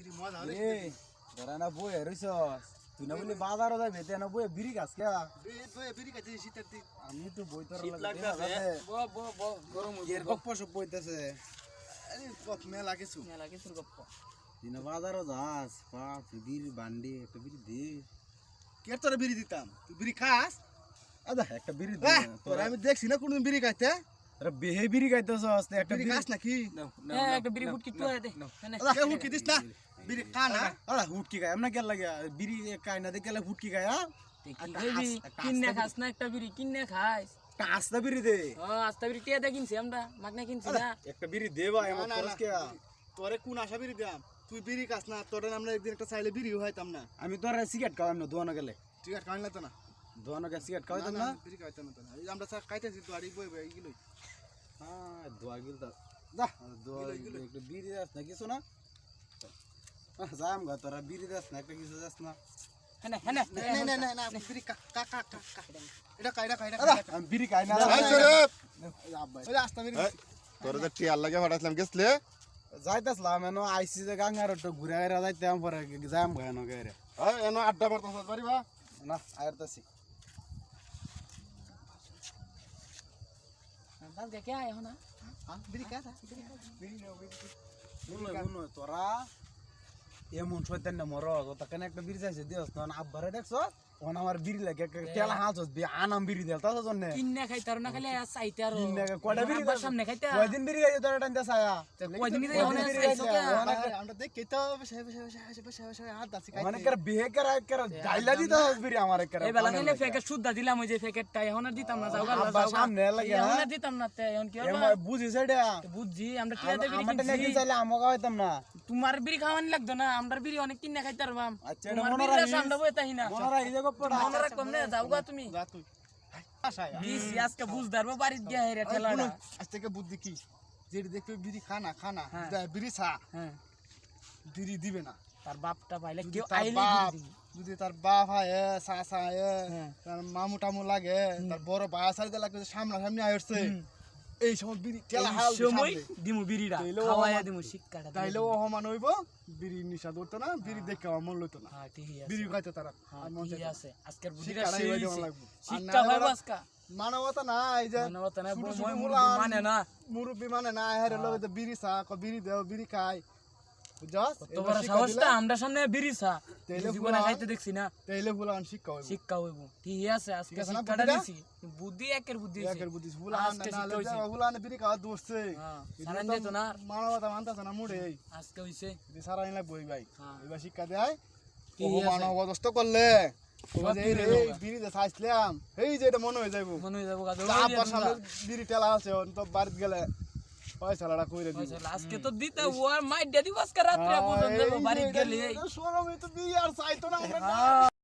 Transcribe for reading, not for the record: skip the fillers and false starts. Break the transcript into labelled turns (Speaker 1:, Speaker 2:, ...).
Speaker 1: মজা হলে
Speaker 2: এ তোরা না বই রইছস তুই না বলি বাজারও যাবে তে না বই বিড়ি গাছ কে
Speaker 1: বিড়ি খাইতে শীতের দিন
Speaker 2: আমি তো বই তোর
Speaker 3: শীত
Speaker 2: লাগে
Speaker 3: লাগতাছে গরম
Speaker 2: এর গপ্প সব বইতেছে
Speaker 1: আরে কত মেলা কিছু
Speaker 3: মেলা কিছুর গপ্প
Speaker 2: তুই না বাজারও যাস বাপ বিড়ি বান্ডি একটা বিড়ি দে
Speaker 1: কে তোরা বিড়ি দিতাম তুই বিড়ি খাস
Speaker 2: আদা একটা বিড়ি দে
Speaker 1: তোরা আমি দেখছি না কোনদিন বিড়ি খাইতে
Speaker 2: তোরা বেহে বিড়ি খাইতেছস একটা
Speaker 1: বিড়ি খাস নাকি
Speaker 3: একটা বিড়ি ফুট কিটু দে
Speaker 1: কে হুকি দিস না বিড়ি খা না
Speaker 2: আরে হুটকি খায় এমন কেন লাগে বিড়ি খাই না দেখলে হুটকি খায় হ্যাঁ
Speaker 3: কিনে খাস না একটা বিড়ি কিনে খাইস
Speaker 2: কাঁচটা বিড়ি দে
Speaker 3: আস্তা বিড়ি টিয়া দে কিনছি আমরা মাগনা কিনছি না
Speaker 2: একটা বিড়ি দে ভাই আমার
Speaker 1: না,
Speaker 2: খরচ
Speaker 1: না।
Speaker 2: কে
Speaker 1: তোরে কোন আশা বিড়ি দিতাম তুই বিড়ি খাস না তোরে আমরা একদিন একটা চাইলে বিড়ি হইতাম না
Speaker 2: আমি তোর সিগারেট খাওয়াম না দোয়ানো গেলে
Speaker 1: ঠিক আছে খাইলে তো না
Speaker 2: দোয়ানো গেলে সিগারেট খাওয়াইতাম না
Speaker 1: বিড়ি খাইতাম না তো না এই আমরা খাইতেছি তো আড়ি বই বই এগুলো
Speaker 2: হ্যাঁ দোয়া গিল তা যা দোয়া একটু বিড়ি দাস না কিছু না যাম গা তোরা বিড়ি দাস না একটা কিছু দাস না
Speaker 3: হ্যাঁ হ্যাঁ
Speaker 1: না না না না বিড়ি কা কা কা কা এটা কাইডা কাইডা
Speaker 2: আমি বিড়ি খাই না
Speaker 1: ওই আস্তা বিড়ি
Speaker 4: তোর যে টিয়ার লাগে হঠাৎ গেছলে
Speaker 2: যাইতাসলাম এনো আইসি যে গাঙ্গার একটু ঘুরে আইরা যাইতাম পরে যাম গা এনো গাইরে
Speaker 4: এনো আড্ডা মারতাছ পারিবা
Speaker 2: না আইরতাছি
Speaker 3: বাস কে আয় হনা
Speaker 1: বিড়ি কা
Speaker 2: শুনো তোরা এমন শয়তান না মর তাকে একটা বিড়ি চাইছে দিস তখন আব্বারে দেখছ ওন আমার বিড়ি লাগে তেলা হালছস আনাম বিড়ি দেল তার জন্য
Speaker 3: কিনে খাইতার না খালি চাইতে আর
Speaker 2: কয়টা বিড়ি
Speaker 3: সামনে খাইতে
Speaker 2: কয়দিন বিড়ি খাইছে তোরা টানতে ছায়া
Speaker 3: কয়দিন ধরে হনা চাইছো কে
Speaker 1: আমরা দেখি তো বসে বসে বসে বসে বসে হাত দাসি খাই
Speaker 2: অনেক বিহে করা ডাইলা দিতে হস বিড়ি আমার
Speaker 3: এই বেলা খাইলে প্যাকেট সুদ্ধা দিলাম ওই যে প্যাকেটটা এখন আর দিতাম না যাও গা
Speaker 2: আব্বা সামনে লাগে
Speaker 3: এখন আর দিতাম না তে এখন কি হবে
Speaker 2: বুঝিস এটা
Speaker 3: বুঝছি আমরা টিয়া দে বিড়ি
Speaker 2: আমারটা নাকি
Speaker 3: কিনছি
Speaker 2: চাইলে আমাকে হইতাম না
Speaker 3: তোমার বিড়ি খাওয়ানি লাগতো না আমরা বিড়ি অনেক কিনে খাইতে পারবাম
Speaker 2: আচ্ছা,
Speaker 3: তোমার
Speaker 2: মনে
Speaker 3: বিড়ি
Speaker 2: রাখিস।
Speaker 3: সামনে বই তাই না
Speaker 2: মনরা এই জায়গা পড়া
Speaker 3: মনে রাখবাম না যাও গা তুমি
Speaker 1: যা তুই আশায়
Speaker 3: দিছি আজকে বুঝদারবো বাড়িতে গিয়া হেরে ঠেলাটা
Speaker 1: আজ থেকে বুদ্ধি কি যেটি দেখবে বিড়ি খানা খানা
Speaker 3: হ্যাঁ।
Speaker 1: বিড়ি ছা
Speaker 3: হ্যাঁ
Speaker 1: বিড়ি দিবে না
Speaker 3: তার বাপটা পাইলে
Speaker 1: যদি
Speaker 3: কেউ
Speaker 1: তার
Speaker 3: আইলে
Speaker 1: বাপ
Speaker 3: বিড়ি দিবি।
Speaker 1: যদি তার বাপ হয় চা চা
Speaker 3: হ্যাঁ।
Speaker 1: তার মামু টামু লাগে তার বড় ভাই সারিতে লাগে সামনা সামনে আসছে এই সময় বিড়ি ঠেলা হাল
Speaker 3: এই সময় দিমু বিড়িটা
Speaker 1: তাইলেও
Speaker 3: খাওয়াইয়া
Speaker 1: আমার-
Speaker 3: দিমু শিক্ষাটা
Speaker 1: তাইলেও অহমান হইব বিড়ি নিশা ধরতো না বিড়ি দেখে আমার মন লইতো না
Speaker 3: হ্যাঁ ঠিকই আছে
Speaker 1: বিড়ি খাইতে তারা
Speaker 3: হ্যাঁ
Speaker 1: আর মন
Speaker 3: ঠিকই
Speaker 1: চাইতো না।
Speaker 3: আছে আজকের বুদ্ধিটা
Speaker 1: শিক্ষাটা
Speaker 3: সেই
Speaker 1: এইভাবে দেওয়া
Speaker 3: হইছে।
Speaker 1: লাগবে। আর
Speaker 3: শিক্ষা
Speaker 1: না
Speaker 3: হয়
Speaker 1: হলে
Speaker 3: আজকা
Speaker 1: মানবতা না এই যে
Speaker 3: মানবতা না,
Speaker 1: ছোট ছোট
Speaker 3: মই
Speaker 1: মুলান,
Speaker 3: মানে না।
Speaker 1: মুরব্বি মানে না হেরে লগে তো বিড়ি চা বিড়ি দেও বিড়ি খাই বুঝছস
Speaker 3: তো বড় সাহসটা আমরা সামনে বিড়ি চা
Speaker 1: তাইলে
Speaker 3: জীবনে
Speaker 1: পুরা-
Speaker 3: খাইতে দেখছি না
Speaker 1: তাইলে ফুলান শিক্ষা হইব
Speaker 3: শিক্ষা হইব ঠিকই আছে আজকে
Speaker 1: ঠিক আছে না
Speaker 3: শিক্ষাটা
Speaker 1: বুদ্ধিটা?
Speaker 3: দিছি বুদ্ধি একের বুদ্ধি হইছে।
Speaker 1: একের বুদ্ধি ফুলান
Speaker 3: আজকে
Speaker 1: না
Speaker 3: শিক্ষা হইছে।
Speaker 1: ফুলান বিড়ি খাওয়া দোষছে
Speaker 3: হ্যাঁ, সারান যেত না আর।
Speaker 1: মানবতা মানতাছ না মুড়ে এই
Speaker 3: আজকে হইছে
Speaker 1: যদি সারাই লাগবে ওই ভাই
Speaker 3: হ্যাঁ।
Speaker 1: এবার শিক্ষা দেয়
Speaker 3: ঠিক
Speaker 1: ও
Speaker 3: আছে।
Speaker 1: মানবদস্ত করলে
Speaker 3: সব
Speaker 1: এই
Speaker 3: ফিরে
Speaker 1: রে, এই
Speaker 3: যাবো।
Speaker 1: বিড়িতে চাইছিলাম এই যে এটা মনে হয়ে যাইব
Speaker 3: মনে হয়ে যাবো গাদর
Speaker 1: আব্বার সামনে বিড়ি টেলা আছে তো বাড়িতে গেলে পয়সাটা কইরে দিব
Speaker 3: আজকে তো দিতে ও আর মাই ডেদি বাস কা রাত্রে পর্যন্ত বাড়ি গেলে
Speaker 1: সরমে তো বিয়ে আর চাইতো না আমরা